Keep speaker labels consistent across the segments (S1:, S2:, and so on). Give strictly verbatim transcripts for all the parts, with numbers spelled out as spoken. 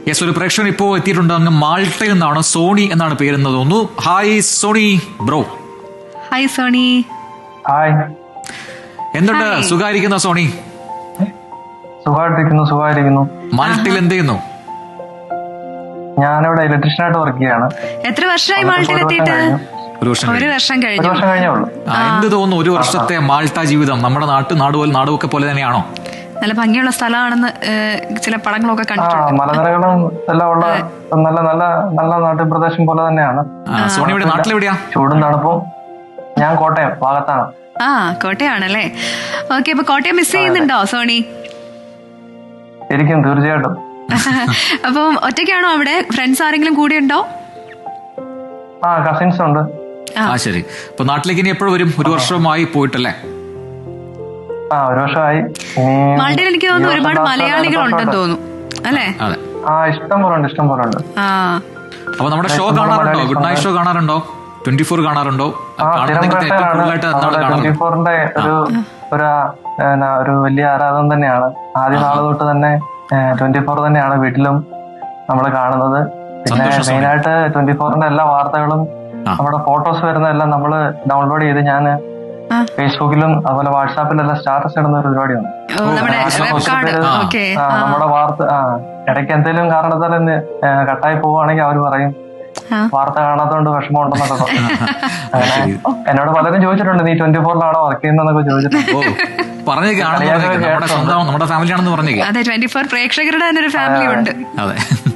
S1: Yes, ഒരു പ്രേക്ഷകൻ ഇപ്പോ എത്തിയിട്ടുണ്ട്. അങ്ങ് മാൾട്ടയിൽ നിന്നാണ്, സോണി എന്നാണ് പേരെന്ന് തോന്നുന്നു. Hi Sony bro.
S2: Hi Sony.
S3: Hi,
S1: എന്തുണ്ട്? സുഖായിരിക്കുന്ന സോണി?
S3: സുഖമായിട്ടിരിക്കുന്നു സുഖമായിരിക്കുന്നു
S1: മാൾട്ടയിൽ എന്ത് ചെയ്യുന്നു?
S3: ഞാനിവിടെ ഇലക്ട്രീഷ്യനായിട്ട് വർക്ക് ചെയ്യാണ്.
S2: എത്ര വർഷമായി മാൾട്ടയിൽ എത്തിയിട്ട്?
S1: ഒരു വർഷം
S2: ഒരു
S1: കഴിഞ്ഞു.
S2: വർഷം
S3: ഒരു
S2: കഴിഞ്ഞു.
S3: വർഷം കഴിഞ്ഞേ ഉള്ളൂ.
S1: ആ, എന്ത് തോന്നുന്നു ഒരു വർഷത്തെ മാൾട്ട ജീവിതം? നമ്മുടെ നാട്ട് നാടുപോലെ നാടുമൊക്കെ പോലെ തന്നെയാണോ?
S2: നല്ല ഭംഗിയുള്ള സ്ഥലമാണെന്ന് ഏഹ്, ചില പടങ്ങളൊക്കെ
S3: ആ
S2: കണ്ടിട്ടുണ്ട്.
S3: മലനിരകളും എല്ലാം ഉള്ള നല്ല നല്ല നല്ല നാട്ടുപ്രദേശം പോലെ തന്നെയാണ്.
S1: ആ, സോണി ഇവിടെ നാട്ടിലെവിടെയാ?
S3: ചൂടും തണുപ്പും. ഞാൻ കോട്ടയം ഭാഗത്താണ്.
S2: ആ, കോട്ടയാണല്ലേ. ഓക്കെ, അപ്പൊ കോട്ടയം മിസ് ചെയ്യുന്നുണ്ടോ സോണി?
S3: ഇരിക്കും, തീർച്ചയായിട്ടും.
S2: അപ്പം ഒറ്റയ്ക്കാണോ അവിടെ? ഫ്രണ്ട്സ് ആരെങ്കിലും കൂടെ ഉണ്ടോ?
S3: ആ കസിൻസ് ഉണ്ട്.
S1: ആ ശരി. അപ്പൊ നാട്ടിലേക്ക് ഇനി എപ്പോഴും വരും? ഒരു വർഷമായി പോയിട്ടല്ലേ?
S3: ആ ഒരു വർഷമായി. ഇനി
S2: മാൾട്ടയിൽ എനിക്ക്
S3: ഈ
S2: തോന്നുന്നു
S3: വർഷം
S2: ഒരുപാട്
S3: last
S2: മലയാളികൾ
S3: അടുത്ത
S2: ഉണ്ടെന്ന്
S3: വർഷം.
S2: തോന്നുന്നു അല്ലേ?
S1: അതെ.
S3: ആ ഇഷ്ടം പോലെ ഉണ്ട്, ഇഷ്ടം പോലെ ഉണ്ട്.
S2: ആ,
S1: അപ്പൊ നമ്മുടെ ഷോ
S3: നമ്മുടെ
S1: കാണാറുണ്ടോ?
S3: മലയാളി
S1: ഗുഡ് നൈറ്റ് ഷോ കാണാറുണ്ടോ? ട്വന്റി ഫോർ കാണാറുണ്ടോ?
S3: ആ സ്ഥിരം
S1: കാണുന്നെങ്കിൽ ഏറ്റവും
S3: പ്രേക്ഷകനാണ്.
S1: കൂടുതലായിട്ട് എന്താണ്
S3: നമ്മുടെ ട്വന്റി
S1: കാണുന്നത്?
S3: ഫോറിന്റെ ഒരു ഒരു എന്നാ, ഒരു വലിയ ആരാധന തന്നെയാണ്. ആദ്യ നാള് തൊട്ട് തന്നെ ട്വന്റി ഫോർ തന്നെയാണ് വീട്ടിലും നമ്മൾ കാണുന്നത്. പിന്നെ
S1: സന്തോഷം, സോണി.
S3: മെയിനായിട്ട് ട്വന്റി ഫോറിന്റെ എല്ലാ വാർത്തകളും
S1: ആ.
S3: നമ്മുടെ ഫോട്ടോസ് വരുന്നതെല്ലാം നമ്മൾ ഡൗൺലോഡ് ചെയ്ത് ഞാൻ
S2: ആ.
S3: ഫേസ്ബുക്കിലും അതുപോലെ വാട്സാപ്പിലും എല്ലാം സ്റ്റാറ്റസ് ഇടുന്ന ഒരു പരിപാടിയാണ്.
S2: ഓ, നമ്മുടെ
S1: ആ,
S2: വെബ് കാർഡ്.
S1: ആ.
S2: ഓക്കെ.
S3: ആ, നമ്മുടെ വാർത്ത ആ ഇടയ്ക്ക് എന്തെങ്കിലും കാരണത്താൽ ഇന്ന്, ഏ, കട്ടായി പോവുകയാണെങ്കിൽ അവർ പറയും
S2: ആ.
S3: വാർത്ത കാണാത്തതുകൊണ്ട് വിഷമമുണ്ടെന്നൊക്കെ പറയും. അങ്ങനെ
S1: ശരി.
S3: എന്നോട് പലരും ചോദിച്ചിട്ടുണ്ട്, നീ ട്വന്റി ഫോറിലാണോ വർക്ക് ചെയ്യുന്നതെന്നൊക്കെ ചോദിച്ചിട്ടുണ്ട്.
S1: ഓ, പറഞ്ഞേക്ക് ആണെന്ന് പറഞ്ഞേക്ക്. നമ്മുടെ സ്വന്തം നമ്മുടെ ഫാമിലി ആണെന്ന് പറഞ്ഞേക്ക്.
S2: അതെ, ട്വന്റി ഫോർ പ്രേക്ഷകരുടെ തന്നെ ഒരു ഫാമിലി ഉണ്ട്.
S1: അതെ.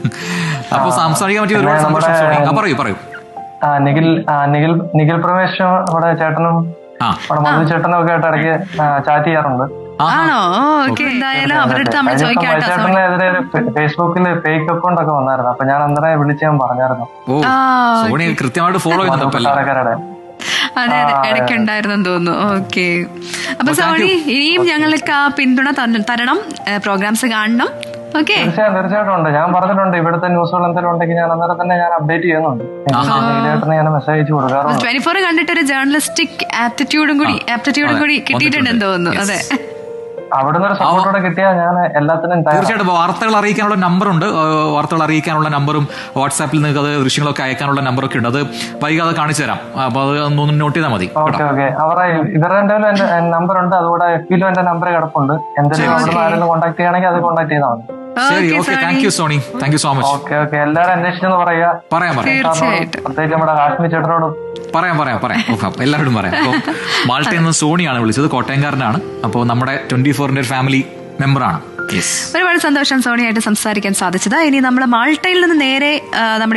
S1: അപ്പൊ സംസാരിക്കാൻ പറ്റിയ ഒരുപാട്
S3: പിന്നെ
S1: സന്തോഷം സോണി. ആ
S3: നമ്മുടെ-
S1: പറയൂ പറയൂ.
S3: ആ നിഖിൽ ആ നിഖിൽ നിഖിൽ പ്രമേശ് നമ്മുടെ ചേട്ടനും
S1: ആ
S3: നമ്മുടെ മധു ചേട്ടനും ഒക്കെ ആയിട്ട് ഇടയ്ക്ക് ചാറ്റ് ചെയ്യാറുണ്ട്.
S1: ആ,
S2: ആണോ? ഓക്കെ, എന്തായാലും അവരുടെ അടുത്ത് നമ്മൾ
S3: കഴിഞ്ഞ ദിവസം
S2: ചോദിക്കാട്ടോ സോണി.
S3: ചേട്ടനെതിരെ ഒരു ഫേസ്ബുക്കിൽ ഫേക്ക് അക്കൗണ്ട് ഒക്കെ വന്നായിരുന്നു. അപ്പൊ ഞാൻ അന്നേരം വിളിച്ച് ഞാൻ പറഞ്ഞായിരുന്നു
S1: ഓ,
S2: ആ,
S1: സോണി കൃത്യമായിട്ട് ഫോളോ
S3: മധു
S1: ചെയ്യുന്നുണ്ടല്ലേ?
S3: കൊട്ടാരക്കരയുടെ.
S2: അതെ അതെ,
S3: ആ, അതെ.
S2: ഇടയ്ക്ക് ഉണ്ടായിരുന്നെന്ന് തോന്നുന്നു. ഓക്കെ, അപ്പൊ
S1: Oh, thank
S2: സോണി
S1: you.
S2: ഇനിയും ഞങ്ങൾക്ക് ആ പിന്തുണ തന്ന- തരണം, പ്രോഗ്രാംസ് കാണണം. ഓക്കെ,
S3: തീർച്ചയായും തീർച്ചയായിട്ടും ഉണ്ട്. ഞാൻ പറഞ്ഞിട്ടുണ്ട് ഇവിടുത്തെ ന്യൂസുകൾ എന്തെങ്കിലും ഉണ്ടെങ്കിൽ ഞാൻ അന്നേരം തന്നെ ഞാൻ അപ്ഡേറ്റ് ചെയ്യുന്നുണ്ട്.
S1: ആഹാ.
S3: ചേട്ടന് ഞാൻ മെസ്സേജ് അയച്ചു കൊടുക്കാറുണ്ട്.
S2: ട്വന്റി ഫോർ കണ്ടിട്ട് ഒരു ജേർണലിസ്റ്റിക് ആപ്റ്റിറ്റ്യൂഡും കൂടി ആപ്റ്റിറ്റ്യൂഡും
S1: അതെ,
S2: കൂടി കിട്ടിയിട്ടുണ്ടെന്ന് തോന്നുന്നു.
S1: Yes.
S2: അതെ,
S3: അവിടുന്ന് ഒരു സപ്പോർട്ടോടെ കിട്ടിയാൽ ഞാൻ എല്ലാത്തിനും തയ്യാറാണ്.
S1: തീർച്ചയായിട്ടും. അപ്പൊ വാർത്തകൾ അറിയിക്കാനുള്ള നമ്പറുണ്ട്. വാർത്തകൾ അറിയിക്കാനുള്ള നമ്പറും വാട്സാപ്പിൽ നിങ്ങൾക്ക് അത് ദൃശ്യങ്ങളൊക്കെ അയക്കാനുള്ള നമ്പറൊക്കെ ഉണ്ട്. അത് വൈകാതെ കാണിച്ചു തരാം. അപ്പൊ അത് ഒന്ന് നോട്ട് ചെയ്താൽ മതി.
S3: ഓക്കെ ഓക്കെ അവരുടെ ഇവരുടെ എന്തായാലും എന്റെ നമ്പർ ഉണ്ട്. അതുകൂടെ എഫിലും എന്റെ നമ്പർ കിടപ്പുണ്ട്. എന്തെങ്കിലും അവിടുന്ന് ആരെങ്കിലും കോൺടാക്ട് ചെയ്യണമെങ്കിൽ അത് കോൺടാക്ട് ചെയ്താൽ മതി.
S1: ശരി,
S2: okay
S1: okay.
S2: Sony,
S1: thank you Sony. Thank you so much.
S3: Okay okay എല്ലാവരും അന്വേഷിച്ചെന്ന് പറയാ.
S1: പറയാം പറയാം
S2: തീർച്ചയായിട്ടും.
S3: പ്രത്യേകിച്ച് നമ്മുടെ കാശ്മീർ ചേട്ടനോടും.
S1: പറയാം പറയാം പറയാം ഓക്കെ, എല്ലാവരോടും പറയാം. അപ്പോൾ മാൾട്ടയിൽ നിന്ന് സോണിയാണ് വിളിച്ചത്, കോട്ടയംകാരനാണ്. അപ്പോൾ നമ്മുടെ ട്വന്റി ഫോറിന്റെ ഒരു ഫാമിലി മെമ്പറാണ്. യെസ്.
S2: ഒരുപാട് സന്തോഷം സോണിയായിട്ട് സംസാരിക്കാൻ സാധിച്ചത്. ഇനി നമ്മൾ മാൾട്ടയിൽ നിന്ന് നേരെ ആ, നമ്മുടെ